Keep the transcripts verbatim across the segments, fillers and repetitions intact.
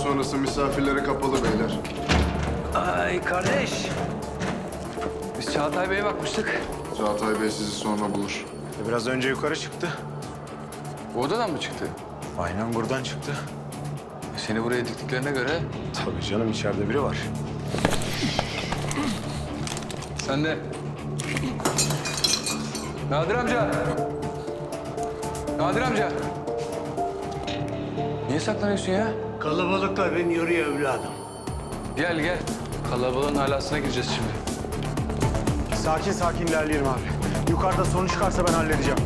sonrası misafirlere kapalı beyler. Ay kardeş. Biz Çağatay Bey'e bakmıştık. Çağatay Bey sizi sonra bulur. Biraz önce yukarı çıktı. Bu odadan mı çıktı? Aynen buradan çıktı. E, Seni buraya diktiklerine göre Tabii canım, içeride biri var. sen de... Nadir amca. Nadir amca. Niye saklanıyorsun ya? Kalabalıklar beni yoruyor evladım. Gel gel. Kalabalığın alasına gireceğiz şimdi. Sakin sakin ilerleyelim abi. Yukarıda sorun çıkarsa ben halledeceğim.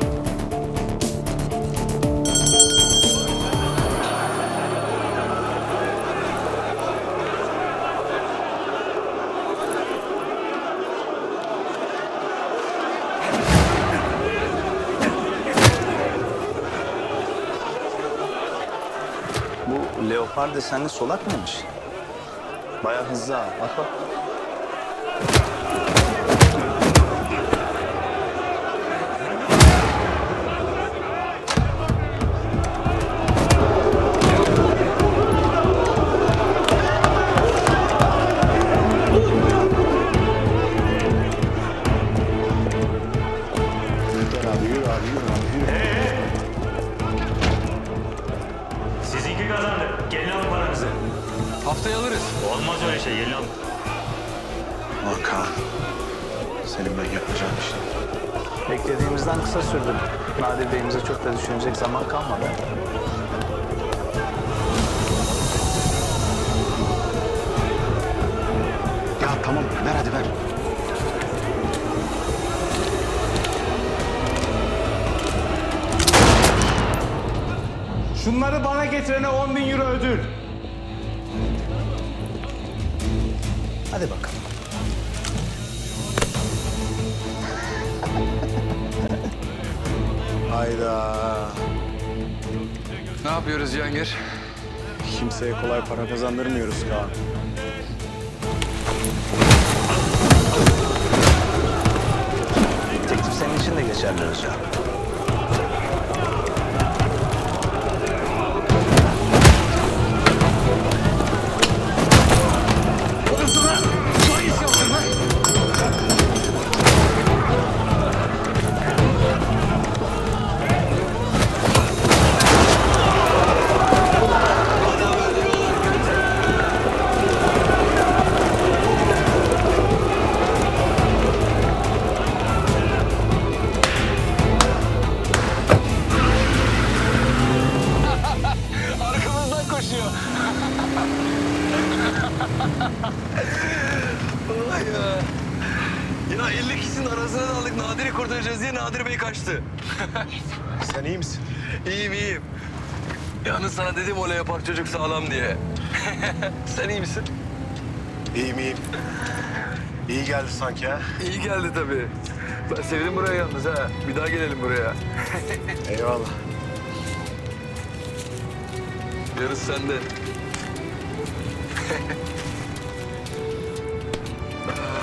Bu leopar desenli solak mıymış? Bayağı hızlı ha. Bak bak. Gel abi, yürü abi, yürü abi, yürü. Sizinki kazandı. Gelin alın paranızı. Haftaya alırız. Olmaz öyle şey. Gelin alın. Ulan Kaan, senin ben yapacağım işte. Beklediğimizden kısa sürdü. Nadir Bey'imize çok da düşünecek zaman kalmadı. Ya tamam, ver hadi ver. Şunları bana getirene on bin euro ödül. Hadi bakalım. Hayda. Ne yapıyoruz Cihangir? Kimseye kolay para kazandırmıyoruz Kaan. Teklif senin için de geçerli Özcan. Arkamızdan koşuyor. Vay ya. Ya elli kişinin arasına daldık. Nadir'i kurtaracağız diye Nadir Bey kaçtı. Sen iyi misin? İyiyim iyiyim. Yalnız sana dedim o yapar çocuk sağlam diye. Sen iyi misin? İyiyim, iyiyim. İyi geldi sanki ha. İyi geldi tabii. Ben sevdim burayı yalnız ha. Bir daha gelelim buraya. Eyvallah. Yarısı sende.